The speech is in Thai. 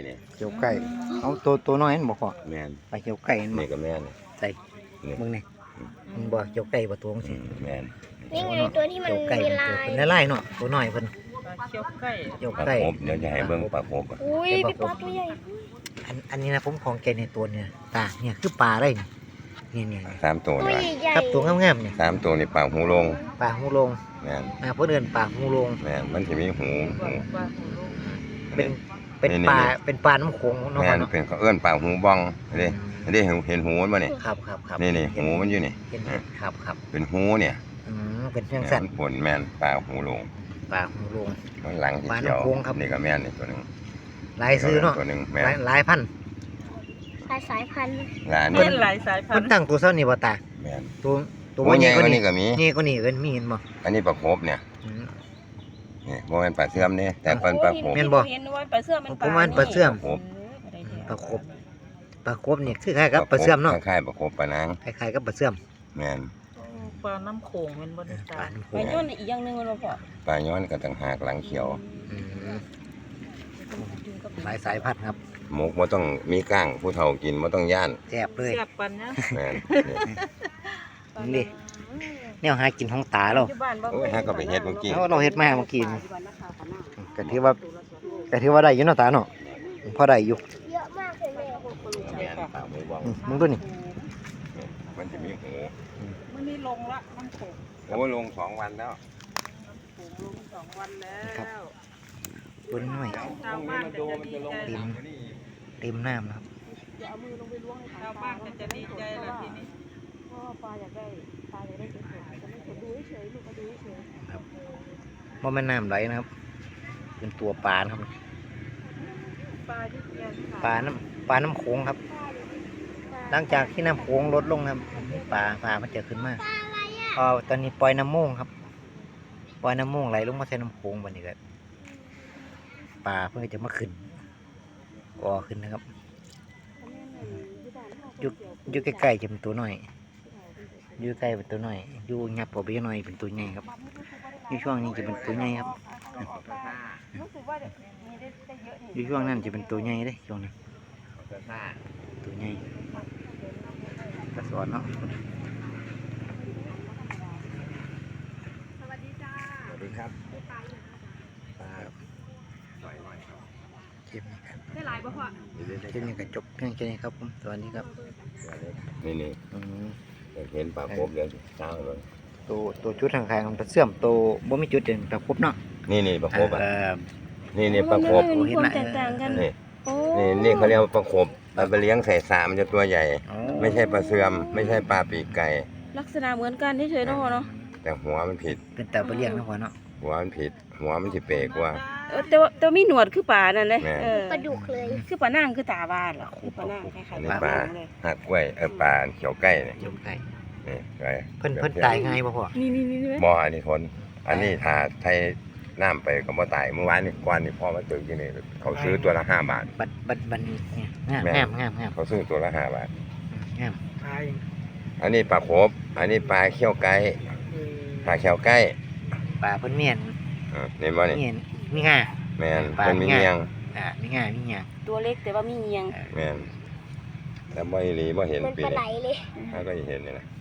เนี่ยเขียวไก่เอาตัวน้อยนั่นบ่พอแมนปลาเขียวไก่นั่นบ่นี่ก็แมนใส่มึงนี่มันบ่เขียวไก่บ่ตัวจังซี่แมนนี่ไงตัวที่มันเขียวไก่มีเป็นลายลายเนาะตัวน้อยเพิ่นเขียวไก่เขียวปลาไก่ครบเดี๋ยวจะให้เบิ่งปลาครบอุ้ยพี่ป๊อปตัวใหญ่อันนี้นะผมของแกในตัวเนี่ยตาเนี่ยคือปลาได้นี่ 3 ตัวตัวนี่ใหญ่ครับตัวงามๆเนี่ย 3 ตัวนี่ปลาหูลงปลาหูลงแมนเพิ่นเอิ้นปลาหูลงแมนมันสิมีหูเป็นปลาน้ำโขงเนาะแมนเนาะเป็นเขาเอื้อนปลาหูบ้องนี่นี่เห็นหูมันบ่นี่ครับนี่หูมันอยู่นี่เห็นครับเป็นหูเนี่ยเป็นจังซั่นผลแมนปลาหูลงปลาหูลงมันหลังที่ปลาเขียวน้ำโขงครับนี่ก็แมนนี่ตัวหนึงหลายซื้อเนาะตัวหนึงแมนหลายพันสายพันธุ์หลานเป็นหลายสายพันเพิ่นธุ์ตั้งตัวเท่านี้บ่ตาแมนตัวตัวใหญ่กกว่าว่านี้นี้ก็มีนี่ก็นี่เอิ้นมีเห็นบ่อันนี้ปลาครบเนี่ยนี่บ่แม่นปลาเสื่อมนี่แต่เป็นปลาครบแม่นบ่เห็นว่าปลาเสื่อมมันผมว่าปลาเสื่อมครบปลาครบนี่คือคล้ายกับปลาเสื่อมเนาะคล้ายๆปลาครบปลานางคล้ายๆกับปลาเสื่อมแมนปลาน้ำโขงมันบนปลาน้ำโขไปงย้อนอีกอย่างหนึงมันบ่พอปลาย้อนก็ต่างหากหลังเขียวอืมหลายสายพันธุ์ครับหมกบ่ต้องมีก้างผู้เฒ่ากินบ่ต้องย่านแซ่บเลยเสียบปันนะแม่นนี่แนวหากินของตาเราที่บ้านบ่โอ้ยฮะก็ไปเฮ็ดเมื่อกี้เราเฮ็ดมาเมื่อกี้นี่ก็ถือว่าได้อยู่เนาะตาเนาะพอได้อยู่เยอะมากเลยแม่แม่นปลาหมูบ้องมึงดูนี่มันจะมีหูมันนี่ลงละน้ำโขงโอ้ลง2 วันแล้วโขงลง2 วันแล้วตัวน้อยชาวบ้านก็จะดีใจเต็มน้ำนะครับชาวบ้านก็จะดีใจแล้วทีนี้บ่แม่นน้ำไหลนะครับ เป็นตัวปลานะครับปลาที่เกียนปลาน้ำโขงครับ หลังจากที่น้ำโขงลดลงนะครับปลามันจะขึ้นมาตอนนี้ปล่อยน้ำโม่งครับ ปล่อยน้ำโม่งไหลลงมาใส่น้ำโขงวันนี้ก็ปลาเพื่อจะมาขึ้นก่อขึ้นนะครับอยู่ใกล้ๆจะเป็นตัวน้อยอยู่ใกล้เป็นตัวน้อยอยู่ยับออกไปหน่อยเป็นตัวใหญ่ครับอยู่ช่วงนี้จะเป็นตัวใหญ่ครับอยู่ช่วงนั้นจะเป็นตัวใหญ่เลยช่วงนั้นตัวใหญ่กระสอนเนาะสวัสดีครับปลาเค็มนี่ครับได้หลายบ่พ่อเค็มนี่ก็จบเพียงแค่นี้ครับผมสวัสดีครับนี่อืมเห็นปลาครบเดี๋ยวเช้าเลยตัวชุดทางคายของปลาเสื่อมตัวบ่มีจุดเด่นปลาครบเนาะนี่ปลาครบอ่ะเออนี่ปลาครบมันมีความแตกต่างกันนี่โอ้นี่เขาเรียกว่าปลาครบเอาไปเลี้ยงใส่สามันจะตัวใหญ่อ๋อไม่ใช่ปลาเสื่อมไม่ใช่ปลาปีกไก่ลักษณะเหมือนกันเฉยๆเนาะพ่อเนาะแต่หัวมันผิดเป็นแต่ไปเลี้ยงนะพ่อเนาะหัวมันผิด หัวมันสิเปรกว่าแต่มีหนวดคือปลานั่นเลยแม่ปลาดุกเลยคือปลานั่งคือตาบ้านเหรอคือปลานั่งคล้ายอันๆนี้ปปลาลาเลยหักกล้วยปลาเขียวไก่เนี่ยยมไก่นี่ไก่เพิ่นตายง่ายบ่พ่อนี่ไหมบ่อันนี้ทนอันนี้ถ้าไทยน้ำไปก็บ่ตายเมื่อวานนี่กวนนี่พ่อมาตึกที่นี่เขาซื้อตัวละ5 บาทบัดนี้เนี่ยแม่งามเขาซื้อตัวละ5 บาทงามอันนี้ปลาโขบอันนี้ปลาเขี้ยวไก่ปลาเขี้ยวไก่ปลาเพิ่นเมียนนี่บ่นี่มีง่าแม่นปลาเพิ่นมีเงียงมีง่ามีหยังตัวเล็กแต่ว่ามีเงียงแม่นแต่บ่อีหลีบ่เห็นมันปีปลาไหลนี้เลยถ้าก็เห็นนี่นะ